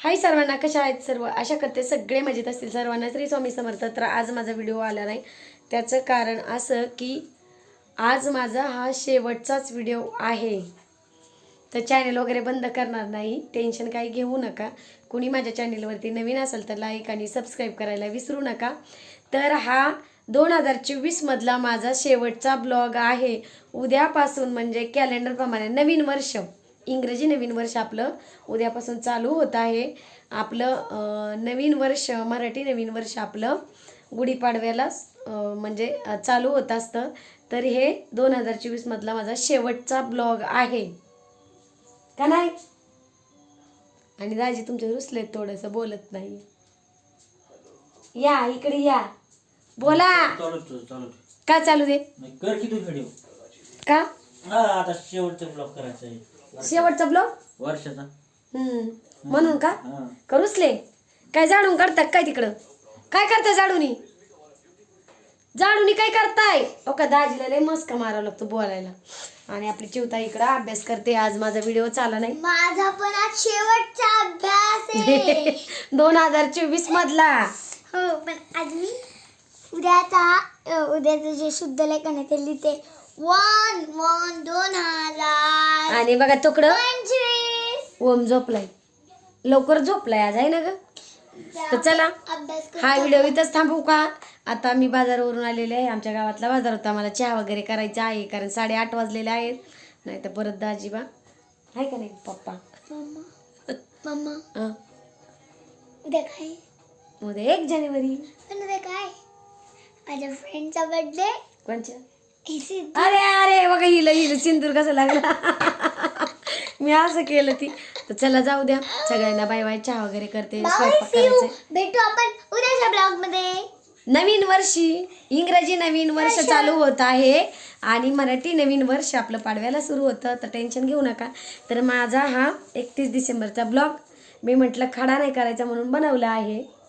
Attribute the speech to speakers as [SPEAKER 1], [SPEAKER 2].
[SPEAKER 1] हाय सर्वांना, कशा आहेत सर्व? आशा करते सगळे मजेत असतील. सर्वांना श्री स्वामी समर्थ. तर आज माझा व्हिडिओ आला नाही, त्याचं कारण असं की आज माझा हा शेवटचाच व्हिडिओ आहे. तर चॅनल वगैरे बंद करणार नाही, टेन्शन काही घेऊ नका. कुणी माझ्या चॅनलवरती नवीन असेल तर लाईक आणि सबस्क्राईब करायला विसरू नका. तर हा 2024 मधला माझा शेवटचा ब्लॉग आहे. उद्यापासून म्हणजे कॅलेंडरप्रमाणे नवीन वर्ष, इंग्रजी नवीन वर्ष आपलं उद्यापासून चालू होत आहे. आपलं नवीन वर्ष, मराठी नवीन वर्ष आपलं गुढीपाडव्याला म्हणजे चालू होत असतं. तर हे 2024 मधला माझा शेवटचा ब्लॉग आहे का नाही? आणि दाजी तुमचे रुसलेत, थोडंसं बोलत नाही. या इकडे या, बोला. का चालू दे
[SPEAKER 2] कर की तू व्हिडिओ
[SPEAKER 1] का?
[SPEAKER 2] हा आता शेवटचा ब्लॉग करायचा आहे
[SPEAKER 1] शेवटचा ब्लॉग
[SPEAKER 2] वर्षाचा.
[SPEAKER 1] म्हणून का
[SPEAKER 2] हा.
[SPEAKER 1] करूसले? काय झाडून काढतात काय तिकडं? काय करताय झाडूनी? झाडूनी काय करताय? ओ का दाजीला लय मस्का मारावं लागतो बोलायला. आणि आपली चिवता इकडं अभ्यास करते. आज माझा व्हिडिओ चाला नाही.
[SPEAKER 3] माझा पण आज शेवटचा अभ्यास आहे
[SPEAKER 1] 2024 मधला.
[SPEAKER 3] हो, पण आज मी उद्याचं जे शुद्ध लेखन आहे ते लिहिते. 1/1/2025.
[SPEAKER 1] आणि बघा तुकडं ओम झोपलाय, लवकर झोपलाय आज आहे ना ग. तर चला
[SPEAKER 3] अभ्यास
[SPEAKER 1] हा व्हिडिओ इथंच थांबवू का? आता मी बाजारावरून आलेले आहे. आमच्या गावातला बाजार होता. मला चहा वगैरे करायचा आहे, कारण 8:30 वाजलेले आहेत. नाही तर परत दाजीबा आहे का नाही पप्पा.
[SPEAKER 3] मम्मा
[SPEAKER 1] हं.
[SPEAKER 3] उद्या काय?
[SPEAKER 1] उद्या 1 जानेवारी.
[SPEAKER 3] पण उद्या काय? माझ्या फ्रेंडचा बर्थडे.
[SPEAKER 1] कोणच्या?
[SPEAKER 3] सिद्धू.
[SPEAKER 1] अरे अरे बघा, हिला सिंदूर कसं लागला. मी असं केलं ती. तर चला जाऊ द्या, सगळ्यांना बाय बाय. चहा वगैरे करते, स्वयंपाक करायचे.
[SPEAKER 3] भेटू आपण उद्याच्या ब्लॉग मध्ये.
[SPEAKER 1] नवीन वर्षी इंग्रजी नवीन वर्ष चालू होत आहे आणि मराठी नवीन वर्ष आपलं पाडव्याला सुरू होतं. तर टेन्शन घेऊ नका. तर माझा हा 31 डिसेंबरचा ब्लॉग मी म्हटलं खडा नाही करायचा म्हणून बनवला आहे.